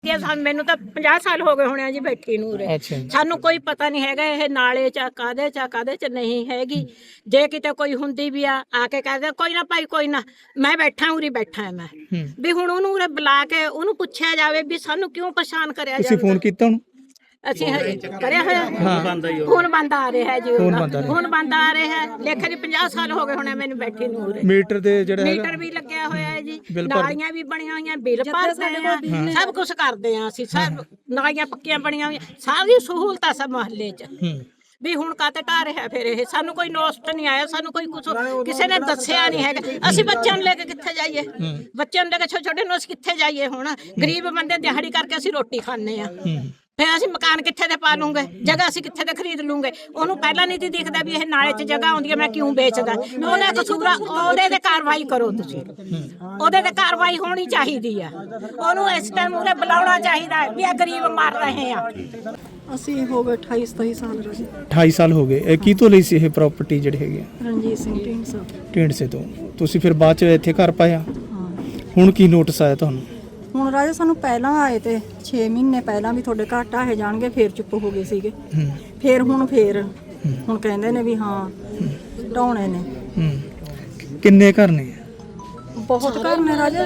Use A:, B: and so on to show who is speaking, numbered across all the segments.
A: ਮੈਨੂੰ ਤਾਂ 50 ਸਾਲ ਹੋ ਗਏ ਹੋਣੇ ਆ ਜੀ ਬੈਠੀ ਨੂੰ ਉਰੇ। ਸਾਨੂੰ ਕੋਈ ਪਤਾ ਨਹੀਂ ਹੈਗਾ ਇਹ ਨਾਲੇ ਚ ਕਾਦੇ ਚ ਨਹੀਂ ਹੈਗੀ। ਜੇ ਕਿਤੇ ਕੋਈ ਹੁੰਦੀ ਵੀ ਆ ਕੇ ਕਹਦੇ ਕੋਈ ਨਾ ਭਾਈ ਕੋਈ ਨਾ ਮੈਂ ਬੈਠਾ ਉਰੀ ਬੈਠਾ ਮੈਂ ਵੀ ਹੁਣ ਉਹਨੂੰ ਉਰੇ ਬੁਲਾ ਕੇ ਉਹਨੂੰ ਪੁੱਛਿਆ ਜਾਵੇ ਵੀ ਸਾਨੂੰ ਕਿਉਂ ਪਰੇਸ਼ਾਨ ਕਰਿਆ ਜਾਵੇ।
B: ਤੁਸੀਂ ਫੋਨ ਕੀਤਾ ਉਹਨੂੰ?
A: ਅਸੀਂ ਕਰਿਆ ਹੋਇਆ ਫੋਨ ਬੰਦ ਆ ਰਿਹਾ ਜੀ ਫੋਨ ਬੰਦ ਆ ਰਿਹਾ ਲੇਖੇ ਦੀ 50 ਸਾਲ ਹੋ ਗਏ ਹੋਣੇ ਮੈਨੂੰ ਬੈਠੀ ਨੂੰ ਉਰੇ।
B: ਮੀਟਰ ਦੇ ਜਿਹੜਾ
A: ਮੀਟਰ ਵੀ ਲੱਗਿਆ ਹੋਇਆ ਹੈ ਜੀ, ਨਾਲੀਆਂ ਵੀ ਬਣੀਆਂ ਹੋਈਆਂ, ਬਿੱਲ ਭਰਦੇ ਆ, ਸਭ ਕੁਝ ਕਰਦੇ ਆ ਅਸੀਂ। ਸਭ ਨਾਲੀਆਂ ਪੱਕੀਆਂ ਬਣੀਆਂ ਹੋਈਆਂ, ਸਾਰੀ ਸਹੂਲਤਾਂ ਸਭ ਮੁਹੱਲੇ 'ਚ ਵੀ ਹੁਣ ਕਾਤੇ ਢਾਹ ਰਿਹਾ ਫਿਰ ਇਹ। ਸਾਨੂੰ ਕੋਈ ਨੋਸਟ ਨਹੀਂ ਆਇਆ, ਸਾਨੂੰ ਕੋਈ ਕੁਝ ਕਿਸੇ ਨੇ ਦੱਸਿਆ ਨਹੀਂ ਹੈਗਾ। ਅਸੀਂ ਬੱਚਿਆਂ ਨੂੰ ਲੈ ਕੇ ਕਿੱਥੇ ਜਾਈਏ? ਬੱਚਿਆਂ ਨੂੰ ਲੈ ਕੇ ਛੋਟੇ ਛੋਟੇ ਨੂੰ ਅਸੀਂ ਕਿੱਥੇ ਜਾਈਏ? ਹੁਣ ਗਰੀਬ ਬੰਦੇ ਦਿਹਾੜੀ ਕਰਕੇ ਅਸੀਂ ਰੋਟੀ ਖਾਂਦੇ ਆ, ਫਿਰ ਅਸੀਂ ਮਕਾਨ ਕਿੱਥੇ ਦੇ ਪਾ ਲੂੰਗੇ? ਜਗ੍ਹਾ ਅਸੀਂ ਕਿੱਥੇ ਦੇ ਖਰੀਦ ਲੂੰਗੇ? ਉਹਨੂੰ ਪਹਿਲਾਂ ਨਹੀਂ ਦਿਖਦਾ ਵੀ ਇਹ ਨਾਲੇ 'ਚ ਜਗ੍ਹਾ ਆਉਂਦੀ ਹੈ, ਮੈਂ ਕਿਉਂ ਵੇਚਦਾ? ਉਹਦਾ ਕਸੂਰ ਉਹਦੇ ਤੇ ਕਾਰਵਾਈ ਕਰੋ ਤੁਸੀਂ, ਉਹਦੇ ਤੇ ਕਾਰਵਾਈ ਹੋਣੀ ਚਾਹੀਦੀ ਆ। ਉਹਨੂੰ ਇਸ ਟਾਈਮ ਉਰੇ ਬੁਲਾਉਣਾ ਚਾਹੀਦਾ ਵੀ ਇਹ ਗਰੀਬ ਮਰ ਰਹੇ ਆ।
C: ਅਸੀਂ ਹੋ ਗਏ 28-27 ਸਾਲ ਰਾਜੀ।
B: 28 ਸਾਲ ਹੋ ਗਏ। ਇਹ ਕੀ ਤੋਂ ਲਈ ਸੀ ਇਹ ਪ੍ਰਾਪਰਟੀ ਜਿਹੜੀ ਹੈਗੀ ਆ?
C: ਰਣਜੀਤ ਸਿੰਘ ਢੀਂਡਸਾ।
B: ਢੀਂਡਸੇ ਤੋਂ। ਤੁਸੀਂ ਫਿਰ ਬਾਅਦ ਚ ਇੱਥੇ ਘਰ ਪਾਇਆ?
C: ਹਾਂ।
B: ਹੁਣ ਕੀ ਨੋਟਿਸ ਆਇਆ ਤੁਹਾਨੂੰ?
C: ਹੁਣ ਰਾਜਾ ਸਾਨੂੰ ਪਹਿਲਾਂ ਆਏ ਤੇ 6 ਮਹੀਨੇ ਪਹਿਲਾਂ ਵੀ ਤੁਹਾਡੇ ਘਰ ਢਾਹੇ ਜਾਣਗੇ, ਫੇਰ ਚੁੱਪ ਹੋ ਗਏ ਸੀਗੇ। ਫੇਰ ਹੁਣ ਕਹਿੰਦੇ ਨੇ ਵੀ ਹਾਂ ਢਾਉਣੇ ਨੇ।
B: ਕਿੰਨੇ ਘਰ ਨੇ?
C: ਬਹੁਤ ਘਰ ਨੇ ਰਾਜਾ,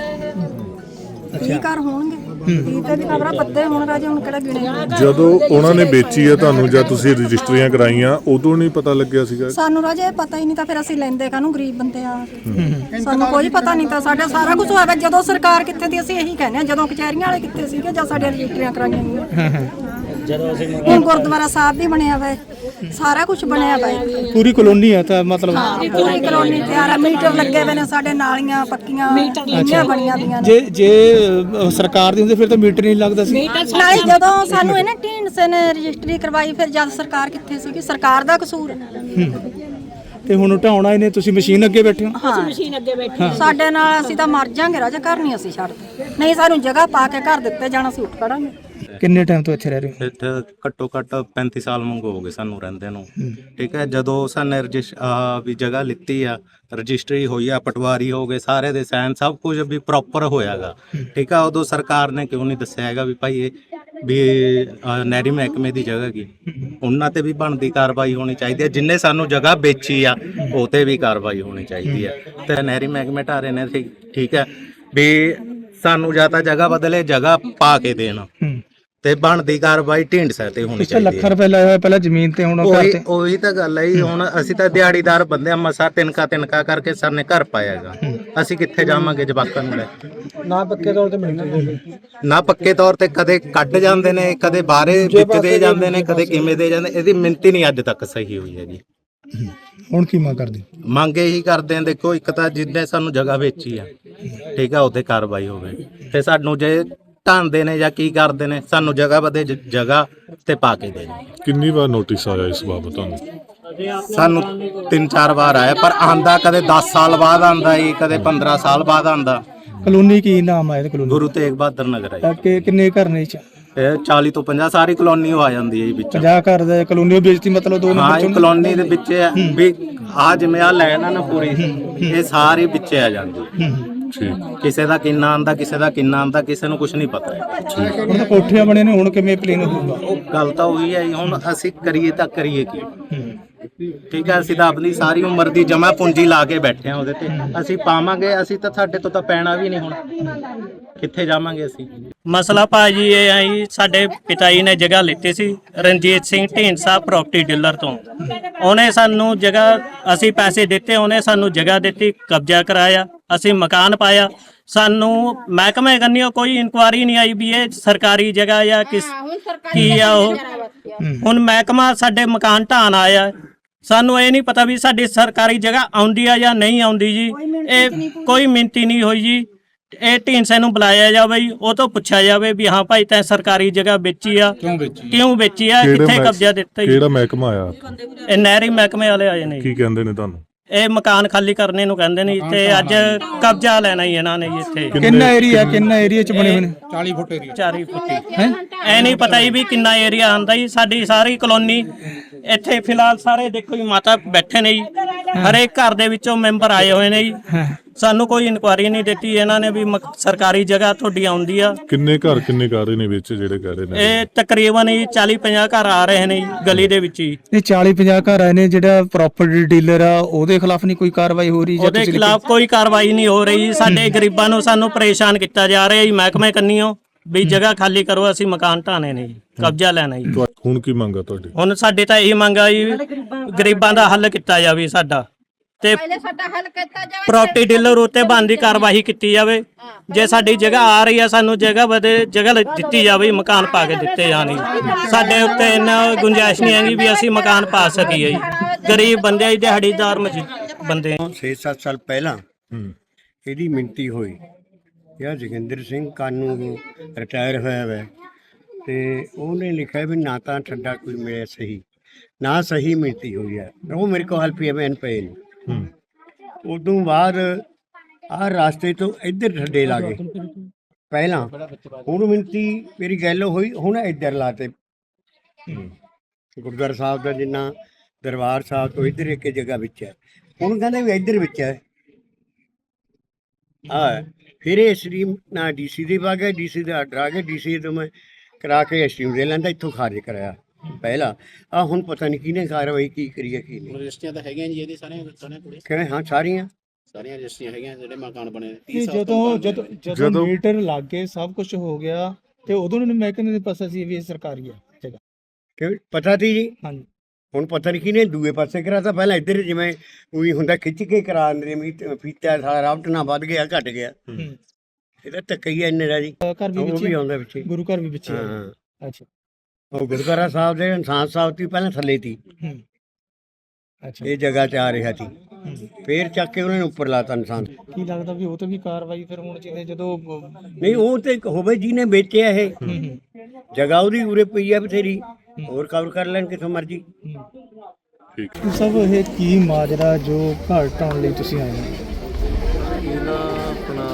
C: 30 ਘਰ ਹੋਣਗੇ। 30 ਤੇ ਵੀ ਖਬਰਾਂ ਪੱਤੇ ਹੁਣ ਰਾਜਾ, ਹੁਣ ਕਿਹੜਾ ਗਿਣੇ।
D: ਜਦੋਂ ਉਹਨਾਂ ਨੇ ਵੇਚੀ ਹੈ ਤੁਹਾਨੂੰ ਜਾਂ ਤੁਸੀਂ ਰਜਿਸਟਰੀਆਂ ਕਰਾਈਆਂ ਉਦੋਂ ਨਹੀਂ ਪਤਾ ਲੱਗਿਆ ਸੀਗਾ?
C: ਸਾਨੂੰ ਰਾਜਾ ਇਹ ਪਤਾ ਹੀ ਨਹੀਂ ਤਾਂ ਫਿਰ ਅਸੀਂ ਲੈਂਦੇ ਕਾਹਨੂੰ? ਗਰੀਬ ਬੰਦੇ ਆ, ਸਾਨੂੰ ਕੋਈ ਪਤਾ ਨਹੀਂ ਤਾਂ। ਸਾਡਾ ਸਾਰਾ ਕੁਝ ਹੋਇਆ ਜਦੋਂ ਸਰਕਾਰ ਕਿੱਥੇ ਦੀ ਅਸੀਂ ਇਹੀ ਕਹਿੰਦੇ ਆ, ਜਦੋਂ ਕਚਹਿਰੀਆਂ ਵਾਲੇ ਕਿੱਥੇ ਸੀਗੇ ਜਾਂ ਸਾਡੀਆਂ ਰਜਿਸਟਰੀਆਂ ਕਰਾਈਆਂ ਗਈਆਂ। ਹੁਣ ਗੁਰਦੁਆਰਾ ਸਾਹਿਬ ਵੀ ਬਣਿਆ ਵਾ, ਸਾਰਾ ਕੁਝ ਬਣਿਆ ਵਾ,
B: ਪੂਰੀ ਕਲੋਨੀ ਹੈ ਤਾਂ ਮਤਲਬ
C: ਪੂਰੀ ਕਲੋਨੀ ਤਿਆਰ ਆ। ਮੀਟਰ ਲੱਗੇ ਹੋਏ ਨੇ ਸਾਡੇ, ਨਾਲੀਆਂ ਪੱਕੀਆਂ ਲੀਆਂ ਬਣੀਆਂ ਦੀਆਂ ਨੇ।
B: ਜੇ ਸਰਕਾਰ ਦੀ ਹੁੰਦੀ ਫਿਰ ਤਾਂ ਮੀਟਰ ਨਹੀਂ ਲੱਗਦਾ ਸੀ।
C: ਨਾਲੇ ਜਦੋਂ ਸਾਨੂੰ ਇਹਨੇ ਢੀਂਡਸੇ ਨੇ ਰਜਿਸਟਰੀ ਕਰਵਾਈ, ਫਿਰ ਜਦ ਸਰਕਾਰ ਕਿੱਥੇ ਸੀਗੀ? ਸਰਕਾਰ ਦਾ ਕਸੂਰ ਹੈ।
B: ਤੇ ਹੁਣ ਢਾਉਣਾ ਇਹਨੇ, ਤੁਸੀਂ ਮਸ਼ੀਨ ਅੱਗੇ ਬੈਠੇ ਹੋ?
C: ਹਾਂ,
A: ਮਸ਼ੀਨ ਅੱਗੇ ਬੈਠੀ
C: ਸਾਡੇ ਨਾਲ ਅਸੀਂ ਤਾਂ ਮਰ ਜਾਾਂਗੇ ਰਾਜਾ, ਘਰ ਨਹੀਂ ਅਸੀਂ ਛੱਡਦੇ। ਨਹੀਂ ਸਾਨੂੰ ਜਗ੍ਹਾ ਪਾ ਕੇ ਘਰ ਦਿੱਤੇ ਜਾਣਾ, ਅਸੀਂ ਉੱਠ ਖੜਾਂਗੇ।
B: ਕਿੰਨੇ ਟਾਈਮ ਤੋਂ ਇੱਥੇ ਰਹਿ ਰਹੇ ਹੋ?
E: ਇੱਥੇ ਘੱਟੋ ਘੱਟ 35 ਸਾਲ ਮੰਗੋ ਹੋ ਗਏ ਸਾਨੂੰ ਰਹਿੰਦੇ ਨੂੰ। ਠੀਕ ਹੈ, ਜਦੋਂ ਸਾਨੇ ਵੀ ਜਗ੍ਹਾ ਲਿੱਤੀ ਆ, ਰਜਿਸਟਰੀ ਹੋਈ ਆ, ਪਟਵਾਰੀ ਹੋ ਗਏ, ਸਾਰੇ ਦੇ ਸਾਈਨ ਸਭ ਕੁਝ ਵੀ ਪ੍ਰੋਪਰ ਹੋਇਆਗਾ। ਠੀਕ ਆ, ਉਦੋਂ ਸਰਕਾਰ ਨੇ ਕਿਉਂ ਨਹੀਂ ਦੱਸਿਆ ਹੈਗਾ ਵੀ ਭਾਈ ਇਹ ਵੀ ਨਹਿਰੀ ਮਹਿਕਮੇ ਦੀ ਜਗ੍ਹਾ ਕੀ? ਉਹਨਾਂ ਤੇ ਵੀ ਬਣਦੀ ਕਾਰਵਾਈ ਹੋਣੀ ਚਾਹੀਦੀ ਹੈ। ਜਿੰਨੇ ਸਾਨੂੰ ਜਗ੍ਹਾ ਵੇਚੀ ਆ ਉਹ ਤੇ ਵੀ ਕਾਰਵਾਈ ਹੋਣੀ ਚਾਹੀਦੀ ਹੈ। ਤੇ ਨਹਿਰੀ ਮਹਿਕਮੇ ਢਾਰੇ ਨੇ ਠੀਕ ਹੈ ਵੀ ਸਾਨੂੰ ਜਾਂ ਤਾਂ ਜਗ੍ਹਾ ਬਦਲੇ, ਜਗ੍ਹਾ ਪਾ ਕੇ ਦੇਣ ਤੇ ਬਣਦੀ ਕਾਰਵਾਈ ਢੀਂਡਸੇ ਤੇ ਹੋਣੀ ਚਾਹੀਦੀ ਹੈ।
B: ਲੱਖ ਰੁਪਏ ਲਾਇਆ ਹੋਇਆ ਪਹਿਲਾਂ ਜ਼ਮੀਨ ਤੇ, ਹੁਣ
E: ਉਹੀ ਤਾਂ ਗੱਲ ਹੈ। ਹੁਣ ਅਸੀਂ ਤਾਂ ਦਿਹਾੜੀਦਾਰ ਬੰਦੇ ਆ, ਮਸਾ ਤਿੰਨਕਾ ਕਰਕੇ ਸਰ ਨੇ ਘਰ ਪਾਇਆਗਾ। ਅਸੀਂ ਕਿੱਥੇ ਜਾਵਾਂਗੇ ਜਵਾਕਾਂ ਨੂੰ ਲੈ ਕੇ?
B: ਨਾ ਪੱਕੇ ਤੌਰ ਤੇ ਮਿਲਦੇ,
E: ਨਾ ਪੱਕੇ ਤੌਰ ਤੇ ਕਦੇ ਕੱਢ ਜਾਂਦੇ ਨੇ, ਕਦੇ ਬਾਹਰੇ ਵਿੱਚ ਦੇ ਜਾਂਦੇ ਨੇ, ਕਦੇ ਕਿਵੇਂ ਦੇ ਜਾਂਦੇ। ਇਹਦੀ ਮਿੰਤੀ ਨਹੀਂ ਅੱਜ ਤੱਕ ਸਹੀ ਹੋਈ ਹੈ ਜੀ।
B: ਹੁਣ ਕੀ ਮੰਗ ਕਰਦੇ?
E: ਮੰਗ ਇਹੀ ਕਰਦੇ ਆ, ਦੇਖੋ ਇੱਕ ਤਾਂ ਜਿੱਦਾਂ ਸਾਨੂੰ ਜਗ੍ਹਾ ਵੇਚੀ ਆ, ਠੀਕ ਆ, ਉਹਤੇ ਕਾਰਵਾਈ ਹੋਵੇ। ਤੇ ਸਾਨੂੰ ਜੇ ਢਾਂਦੇ ਨੇ ਜਾਂ ਕੀ ਕਰਦੇ ਨੇ, ਸਾਨੂੰ ਜਗ੍ਹਾ ਬਦੇ ਜਗ੍ਹਾ ਤੇ ਪਾ ਕੇ ਦੇ।
D: ਕਿੰਨੀ ਵਾਰ ਨੋਟਿਸ ਆਇਆ ਇਸ ਬਾਬਤ ਤੁਹਾਨੂੰ?
E: ਸਾਨੂੰ 3-4 ਵਾਰ ਆਇਆ, ਪਰ ਆਂਦਾ ਕਦੇ 10 ਸਾਲ ਬਾਅਦ ਆਂਦਾ ਜੀ, ਕਦੇ 15 ਸਾਲ ਬਾਅਦ ਆਂਦਾ।
B: ਕਲੋਨੀ ਕੀ ਨਾਮ ਆਇਆ? ਕਲੋਨੀ
E: ਗੁਰੂ ਤੇਗ ਬਹਾਦਰ ਨਗਰ ਹੈ।
B: ਕਿੰਨੇ ਘਰ ਨੇ?
E: ਇਹ 40 ਤੋਂ 50 ਸਾਰੀ ਕਲੋਨੀ ਆ ਜਾਂਦੀ ਹੈ ਜੀ ਵਿੱਚ।
B: 50 ਘਰ ਦਾ ਕਲੋਨੀ ਵੇਚਤੀ ਮਤਲਬ 2
E: ਨੰਬਰ ਚੋਂ ਕਲੋਨੀ ਦੇ ਵਿੱਚ ਵੀ ਆ ਜਿਵੇਂ ਆ ਲੈਣਾ ਨਾ ਪੂਰੀ, ਇਹ ਸਾਰੀ ਵਿੱਚ ਆ ਜਾਂਦੀ। ਕਿਸੇ ਦਾ ਕਿੰਨਾ ਆਂਦਾ, ਕਿਸੇ ਦਾ ਕਿੰਨਾ ਆਂਦਾ, ਕਿਸੇ ਨੂੰ ਕੁਝ ਨਹੀਂ ਪਤਾ।
B: ਹੁਣ ਤਾਂ ਕੋਠੀਆਂ ਬਣੇ ਨੇ, ਹੁਣ ਕਿਵੇਂ ਪਲੇਨ ਹੋਊਗਾ?
E: ਉਹ ਗੱਲ ਤਾਂ ਉਹੀ ਹੈ। ਹੁਣ ਅਸੀਂ ਕਰੀਏ ਤਾਂ ਕਰੀਏ ਕੀ? ਠੀਕ ਹੈ, ਅਸੀਂ ਤਾਂ ਆਪਣੀ ਸਾਰੀ ਉਮਰ ਦੀ ਜਮਾ ਪੂੰਜੀ ਲਾ ਕੇ ਬੈਠੇ ਆ ਉਹਦੇ ਤੇ। ਅਸੀਂ ਪਾਵਾਂਗੇ, ਅਸੀਂ ਤਾਂ ਸਾਡੇ ਤੋਂ ਤਾਂ ਪੈਣਾ ਵੀ ਨਹੀਂ। ਹੁਣ ਕਿੱਥੇ ਜਾਵਾਂਗੇ ਅਸੀਂ?
F: ਮਸਲਾ ਭਾਜੀ ਇਹ ਆਈ, ਸਾਡੇ ਪਿਤਾ ਜੀ ਨੇ ਜਗ੍ਹਾ ਲਿੱਤੀ ਸੀ ਰਣਜੀਤ ਸਿੰਘ ਢੀਂਡਸਾ ਪ੍ਰਾਪਰਟੀ ਡੀਲਰ ਤੋਂ। ਉਹਨੇ ਸਾਨੂੰ ਜਗ੍ਹਾ, ਅਸੀਂ ਪੈਸੇ ਦਿੱਤੇ, ਉਹਨੇ ਸਾਨੂੰ ਜਗ੍ਹਾ ਦਿੱਤੀ, ਕਬਜ਼ਾ ਕਰਾਇਆ, ਅਸੀਂ ਮਕਾਨ ਪਾਇਆ। ਸਾਨੂੰ ਮਹਿਕਮੇ ਕੰਨਿਓ ਕੋਈ ਇਨਕੁਆਰੀ ਨਹੀਂ ਆਈ ਵੀ ਇਹ ਸਰਕਾਰੀ ਜਗ੍ਹਾ ਜਾਂ ਕੀ ਆ ਉਹ। ਹੁਣ ਮਹਿਕਮਾ ਸਾਡੇ ਮਕਾਨ ਢਾਣ ਆਇਆ, ਸਾਨੂੰ ਇਹ ਨਹੀਂ ਪਤਾ ਵੀ ਸਾਡੀ ਸਰਕਾਰੀ ਜਗ੍ਹਾ ਆਉਂਦੀ ਆ ਜਾਂ ਨਹੀਂ ਆਉਂਦੀ ਜੀ। ਇਹ ਕੋਈ ਮਿੰਤੀ ਨਹੀਂ ਹੋਈ ਜੀ। ਇਹ ਢੀਂਡਸੇ ਨੂੰ ਬੁਲਾਇਆ ਜਾਵੇ ਜੀ, ਉਹ ਤੋਂ ਪੁੱਛਿਆ ਜਾਵੇ ਵੀ ਹਾਂ ਭਾਈ ਤੈਂ ਸਰਕਾਰੀ ਜਗ੍ਹਾ ਵੇਚੀ ਆ, ਕਿਉਂ ਵੇਚੀ ਆ, ਕਿੱਥੇ ਕਬਜ਼ਾ ਦਿੱਤਾ?
D: ਕਿਹੜਾ ਮਹਿਕਮਾ ਆਇਆ?
F: ਇਹ ਨਹਿਰੀ ਮਹਿਕਮੇ ਵਾਲੇ ਆਏ ਨੇ।
D: ਕੀ ਕਹਿੰਦੇ ਨੇ ਤੁਹਾਨੂੰ?
F: ਇਹ ਮਕਾਨ ਖਾਲੀ ਕਰਨੇ ਨੂੰ ਕਹਿੰਦੇ ਨੇ ਤੇ ਅੱਜ ਕਬਜ਼ਾ ਲੈਣਾ ਹੀ ਇਹਨਾਂ ਨੇ ਇੱਥੇ।
B: ਕਿੰਨਾ ਏਰੀਆ ਚ ਬਣੇ ਹੋਏ ਨੇ?
F: 40 ਫੁੱਟ ਏਰੀਆ। 40 ਫੁੱਟ ਹੈ, ਐ ਨਹੀਂ ਪਤਾ ਜੀ ਵੀ ਕਿੰਨਾ ਏਰੀਆ ਆਂਦਾ ਜੀ। ਸਾਡੀ ਸਾਰੀ ਕਲੋਨੀ ਇੱਥੇ ਫਿਲਹਾਲ ਸਾਰੇ ਦੇਖੋ ਜੀ ਮਾਤਾ ਬੈਠੇ ਨੇ ਜੀ, ਹਰੇਕ ਘਰ ਦੇ ਵਿੱਚੋਂ ਮੈਂਬਰ ਆਏ ਹੋਏ ਨੇ ਜੀ। ਸਾਨੂੰ ਕੋਈ ਇਨਕੁਆਰੀ ਨਹੀਂ ਦਿੱਤੀ ਇਹਨਾਂ ਨੇ ਵੀ ਸਰਕਾਰੀ ਜਗ੍ਹਾ ਤੁਹਾਡੀ ਆਉਂਦੀ ਆ।
D: ਕਿੰਨੇ ਘਰ ਨੇ ਵਿੱਚ ਜਿਹੜੇ ਕਹਿ ਰਹੇ ਨੇ?
F: ਇਹ ਤਕਰੀਬਨ ਹੀ 40-50 ਘਰ ਆ ਰਹੇ ਨੇ ਜੀ ਗਲੀ ਦੇ ਵਿੱਚ ਹੀ।
B: ਇਹ 40-50 ਘਰ ਆਏ ਨੇ, ਜਿਹੜਾ ਪ੍ਰਾਪਰਟੀ ਡੀਲਰ ਆ ਉਹਦੇ ਖਿਲਾਫ ਨਹੀਂ ਕੋਈ ਕਾਰਵਾਈ ਹੋ ਰਹੀ?
F: ਉਹਦੇ ਖਿਲਾਫ ਕੋਈ ਕਾਰਵਾਈ ਨਹੀਂ ਹੋ ਰਹੀ। ਸਾਡੇ ਗਰੀਬਾਂ ਨੂੰ ਸਾਨੂੰ ਪਰੇਸ਼ਾਨ ਕੀਤਾ ਜਾ ਰਿਹਾ ਜੀ ਮਹਿਕਮੇ ਕੰਨੀਓ ਵੀ ਜਗ੍ਹਾ ਖਾਲੀ ਕਰੋ, ਅਸੀਂ ਮਕਾਨ ਢਾਣੇ ਨੇ ਜੀ, ਕਬਜ਼ਾ ਲੈਣਾ ਜੀ।
D: ਹੁਣ ਕੀ ਮੰਗਾ ਤੁਹਾਡੀ?
F: ਹੁਣ ਸਾਡੇ ਤਾਂ ਇਹ ਮੰਗ ਆ ਜੀ ਗਰੀਬਾਂ ਦਾ ਹੱਲ ਕੀਤਾ ਜਾਵੇ ਸਾਡਾ, ਤੇ ਪ੍ਰਾਪਰਟੀ ਡੀਲਰ ਉੱਤੇ ਬਣਦੀ ਕਾਰਵਾਈ ਕੀਤੀ ਜਾਵੇ। ਜੇ ਸਾਡੀ ਜਗ੍ਹਾ ਆ ਰਹੀ ਆ ਸਾਨੂੰ ਜਗ੍ਹਾ ਦਿੱਤੀ ਜਾਵੇ, ਮਕਾਨ ਪਾ ਕੇ ਦਿੱਤੇ ਜਾਣ। ਸਾਡੇ ਉੱਤੇ ਇੰਨਾ ਗੁੰਜਾਇਸ਼ ਨਹੀਂ ਹੈਗੀ ਵੀ ਅਸੀਂ ਮਕਾਨ ਪਾ ਸਕੀਏ ਜੀ। ਗਰੀਬ ਬੰਦੇ ਆ, ਦਿਹਾੜੀਦਾਰ ਬੰਦੇ।
G: 6-7 ਸਾਲ ਪਹਿਲਾਂ ਇਹਦੀ ਮਿਣਤੀ ਹੋਈ। ਇਹ ਜੋਗਿੰਦਰ ਸਿੰਘ ਕਾਨੂੰ ਰਿਟਾਇਰ ਹੋਇਆ ਵਾ ਤੇ ਉਹਨੇ ਲਿਖਿਆ ਵੀ ਨਾ ਤਾਂ ਠੱਡਾ ਕੋਈ ਮਿਲਿਆ ਸਹੀ, ਨਾ ਸਹੀ ਮਿਣਤੀ ਹੋਈ ਹੈ। ਉਹ ਮੇਰੇ ਕੋਲ PMN ਪਏ ਨੇ। ਉਦੋਂ ਬਾਅਦ ਆਹ ਰਾਸਤੇ ਤੋਂ ਇੱਧਰ ਠੱਡੇ ਲਾ ਗਏ ਪਹਿਲਾਂ। ਹੁਣ ਮਿਣਤੀ ਮੇਰੀ ਗੱਲ ਹੋਈ, ਹੁਣ ਇੱਧਰ ਲਾਤੇ। ਗੁਰਦੁਆਰਾ ਸਾਹਿਬ ਦਾ ਜਿੰਨਾ ਦਰਬਾਰ ਸਾਹਿਬ ਤੋਂ ਇੱਧਰ ਇੱਕ ਜਗ੍ਹਾ ਵਿੱਚ ਹੈ, ਹੁਣ ਕਹਿੰਦੇ ਵੀ ਇੱਧਰ ਵਿੱਚ ਹੈ। ਫਿਰ ਇਹ ਸਟ੍ਰੀਮ ਨਾ DC ਦੇ ਪਾ ਗਿਆ, DC ਦਾ ਆਰਡਰ ਆ ਗਿਆ, DC ਤੋਂ ਮੈਂ ਕਰਾ ਕੇ ਸਟ੍ਰੀਮ ਦੇ ਲੈਂਦਾ, ਇੱਥੋਂ ਖਾਰਜ ਕਰਾਇਆ ਪਹਿਲਾਂ। ਹੁਣ ਪਤਾ ਨਹੀਂ ਕਿਹਨੇ ਕਾਰਵਾਈ ਕੀ ਕਰੀ ਹੈ ਕੀ ਨਹੀਂ।
H: ਰਜਿਸਟਰੀਆਂ ਤਾਂ ਹੈਗੀਆਂ ਜੀ ਇਹਦੀ ਸਾਰੀਆਂ ਕੁੜੀ
G: ਕਹਿੰਦੇ ਹਾਂ ਸਾਰੀਆਂ
H: ਰਜਿਸਟਰੀਆਂ ਹੈਗੀਆਂ ਜਿਹੜੇ ਮਕਾਨ ਬਣੇ।
B: ਜਦੋਂ ਮੀਟਰ ਲੱਗ ਗਏ ਸਭ ਕੁਝ ਹੋ ਗਿਆ ਤੇ ਉਦੋਂ ਨੂੰ ਮਹਿਕਮੇ ਨੂੰ ਪਤਾ ਸੀ ਵੀ ਇਹ ਸਰਕਾਰੀ ਹੈ ਜਗ੍ਹਾ?
G: ਕਿ ਪਤਾ ਸੀ ਜੀ।
B: ਹਾਂਜੀ।
G: ਹੁਣ ਪਤਾ ਨਹੀਂ ਕਿਹਨੇ ਦੂਏ ਪਾਸੇ ਕਰਾਤਾ। ਪਹਿਲਾਂ ਇੱਧਰ ਜਿਵੇਂ ਉਹੀ ਹੁੰਦਾ ਖਿੱਚ ਕੇ ਕਰਾ ਦਿੰਦੇ ਨੇ, ਫੀਤਾ ਸਾਰਾ ਰਾਵਟ ਨਾ ਵੱਧ ਗਿਆ ਘਟ ਗਿਆ। ਇਹਦਾ ਧੱਕਾ ਹੀ ਇੰਨੇ ਦਾ ਜੀ।
B: ਘਰ ਵੀ
G: ਉਹ ਵੀ ਆਉਂਦਾ ਵਿੱਚ,
B: ਗੁਰੂ ਘਰ ਵੀ ਵਿੱਚ।
G: ਹਾਂ
B: ਅੱਛਾ।
G: ਉਹ ਗੁਰਦੁਆਰਾ ਸਾਹਿਬ ਦੇ ਇਨਸਾਨ ਸਾਹਿਬ ਦੀ ਪਹਿਲਾਂ ਥੱਲੇ ਸੀ,
B: ਅੱਛਾ,
G: ਇਹ ਜਗ੍ਹਾ 'ਚ ਆ ਰਿਹਾ ਸੀ। ਫੇਰ ਚੱਕ ਕੇ ਉਹਨਾਂ ਨੇ ਉੱਪਰ ਲਾਤਾ ਇਨਸਾਨ।
B: ਕੀ ਲੱਗਦਾ ਵੀ ਉਹ ਤੇ ਵੀ ਕਾਰਵਾਈ ਫਿਰ ਹੋਣੀ ਚਾਹੀਦੀ ਜਦੋਂ?
G: ਨਹੀਂ ਉਹ ਤੇ ਹੋਵੇ ਜਿਹਨੇ ਵੇਚਿਆ ਇਹ ਜਗ੍ਹਾ, ਉਹਦੀ ਉਰੇ ਪਈ ਆ ਬਥੇਰੀ, ਹੋਰ ਕਵਰ ਕਰ ਲੈਣ ਕਿਥੋਂ ਮਰਜੀ।
B: ਸਭ ਇਹ ਕੀ ਮਾਜਰਾ ਜੋ ਘਰ ਢਾਉਣ ਲਈ ਤੁਸੀਂ ਆਏ ਹੋ?
I: ਇਹ ਨਾ ਆਪਣਾ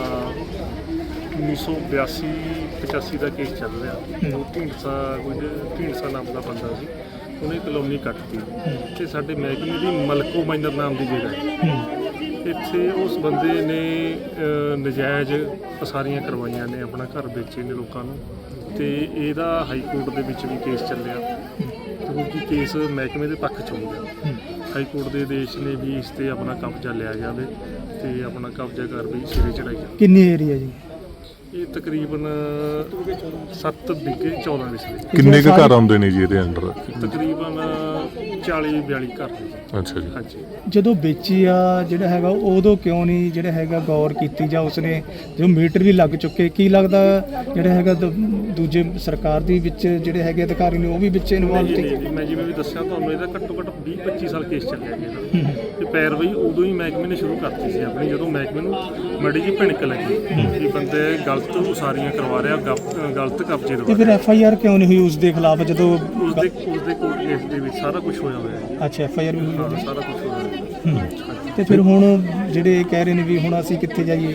I: 1982-85 ਦਾ ਕੇਸ ਚੱਲ ਰਿਹਾ। ਉਹ ਢੀਂਡਸਾ ਨਾਮ ਦਾ ਬੰਦਾ ਸੀ, ਉਹਨੇ ਕਲੋਨੀ ਕੱਟਤੀ ਤੇ ਸਾਡੇ ਮਹਿਕਮੇ ਦੀ ਮਲਕੋ ਮਾਈਨਰ ਨਾਮ ਦੀ ਜਗ੍ਹਾ ਹੈ। ਇੱਥੇ ਉਸ ਬੰਦੇ ਨੇ ਨਜਾਇਜ਼ ਪਸਾਰੀਆਂ ਕਰਵਾਈਆਂ ਨੇ, ਆਪਣਾ ਘਰ ਵੇਚੇ ਨੇ ਲੋਕਾਂ ਨੂੰ, ਤੇ ਇਹਦਾ ਹਾਈ ਕੋਰਟ ਦੇ ਵਿੱਚ ਵੀ ਕੇਸ ਚੱਲਿਆ। ਕਿਉਂਕਿ ਕੇਸ ਮਹਿਕਮੇ ਦੇ ਪੱਖ 'ਚ ਹੋ ਗਿਆ। ਹਾਈ ਕੋਰਟ ਦੇ ਆਦੇਸ਼ ਨੇ ਵੀ ਇਸ ਤੇ ਆਪਣਾ ਕਬਜ਼ਾ ਲਿਆ ਜਾਵੇ ਤੇ ਆਪਣਾ ਕਬਜ਼ਾ ਕਰ ਵੀ ਸਿਰੇ ਚੜਾਈ ਜਾਵੇ।
B: ਕਿੰਨੀ ਏਰੀਆ ਜੀ?
I: ਇਹ ਤਕਰੀਬਨ 7 ਵਿਗੇ 14 ਵਿਸਲੇ।
D: ਕਿੰਨੇ ਕੁ ਘਰ ਆਉਂਦੇ ਨੇ ਜੀ ਇਹਦੇ ਅੰਡਰ?
I: ਤਕਰੀਬਨ 40-42 ਘਰ ਨੇ।
D: ਅੱਛਾ ਜੀ।
I: ਹਾਂਜੀ।
B: ਜਦੋਂ ਵੇਚੀ ਆ ਜਿਹੜਾ ਹੈਗਾ ਉਦੋਂ ਕਿਉਂ ਨਹੀਂ ਜਿਹੜਾ ਹੈਗਾ ਗੌਰ ਕੀਤੀ ਜਾਂ ਉਸਨੇ ਜੋ ਮੀਟਰ ਵੀ ਲੱਗ ਚੁੱਕੇ, ਕੀ ਲੱਗਦਾ ਜਿਹੜਾ ਹੈਗਾ ਦੂਜੇ ਸਰਕਾਰ ਦੇ ਵਿੱਚ ਜਿਹੜੇ ਹੈਗੇ ਅਧਿਕਾਰੀ ਨੇ ਉਹ ਵੀ ਵਿੱਚ ਇਨਵੋਲਵ ਸੀ?
I: ਮੈਂ ਜਿਵੇਂ ਵੀ ਦੱਸਿਆ ਤੁਹਾਨੂੰ, ਇਹਦਾ ਘੱਟੋ ਘੱਟ 20-25 ਸਾਲ ਕੇਸ ਚੱਲਿਆ ਗਿਆ ਤੇ ਪੈਰਵਾਈ ਉਦੋਂ ਹੀ ਮਹਿਕਮੇ ਨੇ ਸ਼ੁਰੂ ਕਰਤੀ ਸੀ ਆਪਣੀ, ਜਦੋਂ ਮਹਿਕਮੇ ਨੂੰ ਮਾੜੀ ਜਿਹੀ ਭਿਣਕ ਲੱਗੀ ਕਿ ਬੰਦੇ ਗਲਤ ਉਸਾਰੀਆਂ ਕਰਵਾ ਰਿਹਾ, ਗਲਤ ਕਬਜ਼ੇ ਦਵਾ।
B: ਤੇ ਫਿਰ FIR ਕਿਉਂ ਨਹੀਂ ਹੋਈ ਉਸ ਦੇ ਖਿਲਾਫ ਜਦੋਂ
I: ਉਸਦੇ ਕੋਰਟ ਕੇਸ ਦੇ ਵਿੱਚ ਸਾਰਾ ਕੁਝ ਹੋਇਆ ਹੋਇਆ ਹੈ।
B: ਅੱਛਾ, FIR ਵੀ ਹੋਈ?
I: ਸਾਰਾ ਕੁਝ ਹੋਇਆ ਹੋਇਆ।
B: ਤੇ ਫਿਰ ਹੁਣ ਜਿਹੜੇ ਕਹਿ ਰਹੇ ਨੇ ਵੀ ਹੁਣ ਅਸੀਂ ਕਿੱਥੇ ਜਾਈਏ?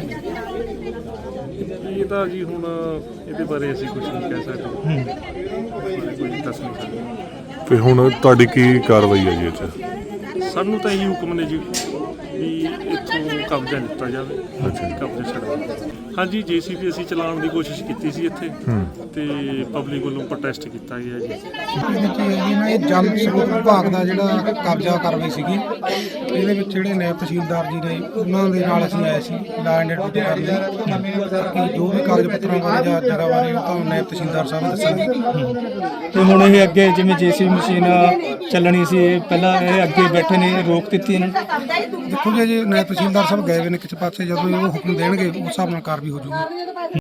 I: ਇਹ ਤਾਂ ਜੀ ਹੁਣ ਇਹਦੇ ਬਾਰੇ ਅਸੀਂ ਕੁਝ ਨਹੀਂ ਕਹਿ ਸਕਦੇ, ਕੁਝ ਦੱਸ ਨਹੀਂ ਸਕਦੇ।
D: ਤੇ ਹੁਣ ਤੁਹਾਡੀ ਕੀ ਕਾਰਵਾਈ ਹੈ ਜੀ ਇਹ 'ਚ?
I: ਸਾਨੂੰ ਤਾਂ ਇਹੀ ਹੁਕਮ ਨੇ ਜੀ ਵੀ ਇੱਥੋਂ ਕਬਜ਼ਾ ਲਿੱਤਾ ਜਾਵੇ। ਅੱਛਾ। ਕਬਜ਼ਾ ਛੱਡਵਾ। ਹਾਂਜੀ, JCB ਅਸੀਂ ਚਲਾਉਣ ਦੀ ਕੋਸ਼ਿਸ਼ ਕੀਤੀ ਸੀ ਇੱਥੇ ਤੇ ਪਬਲਿਕ ਵੱਲੋਂ ਪ੍ਰੋਟੈਸਟ ਕੀਤਾ ਗਿਆ ਜੀ।
J: ਇਹ ਜਲ ਸਰੋਤ ਵਿਭਾਗ ਦਾ ਜਿਹੜਾ ਕਬਜ਼ਾ ਕਾਰਵਾਈ ਸੀਗੀ, ਇਹਦੇ ਵਿੱਚ ਜਿਹੜੇ ਨਾਇਬ ਤਹਿਸੀਲਦਾਰ ਜੀ ਨੇ ਉਹਨਾਂ ਦੇ ਨਾਲ ਅਸੀਂ ਆਏ ਸੀ ਲਾ ਐਂਡ ਆਰਡਰ ਕਰਨ ਲਈ ਕਿ ਜੋ ਵੀ ਕਾਗਜ਼ ਪੱਤਰਾਂ ਬਾਰੇ ਜਾਂ ਜਗ੍ਹਾ ਬਾਰੇ ਉਹ ਤਾਂ ਨਾਇਬ ਤਹਿਸੀਲਦਾਰ ਸਾਹਿਬ ਦੱਸਣਗੇ।
B: ਤੇ ਹੁਣ ਇਹ ਅੱਗੇ ਜਿਵੇਂ JCB ਮਸ਼ੀਨ ਚੱਲਣੀ ਸੀ, ਪਹਿਲਾਂ ਇਹ ਅੱਗੇ ਬੈਠੇ ਨੇ, ਰੋਕ ਦਿੱਤੀ ਇਹਨਾਂ ਨੇ?
J: ਦੇਖੋ ਜੀ ਨਾਇਬ ਤਹਿਸੀਲਦਾਰ ਸਾਹਿਬ ਗਏ ਹੋਏ ਨੇ ਕਿਸੇ ਪਾਸੇ, ਜਦੋਂ ਉਹ ਹੁਕਮ ਦੇਣਗੇ ਉਸ ਹਿਸਾਬ ਨਾਲ ਕਾਰਵਾਈ ਹੋ ਜਾਊਗੀ।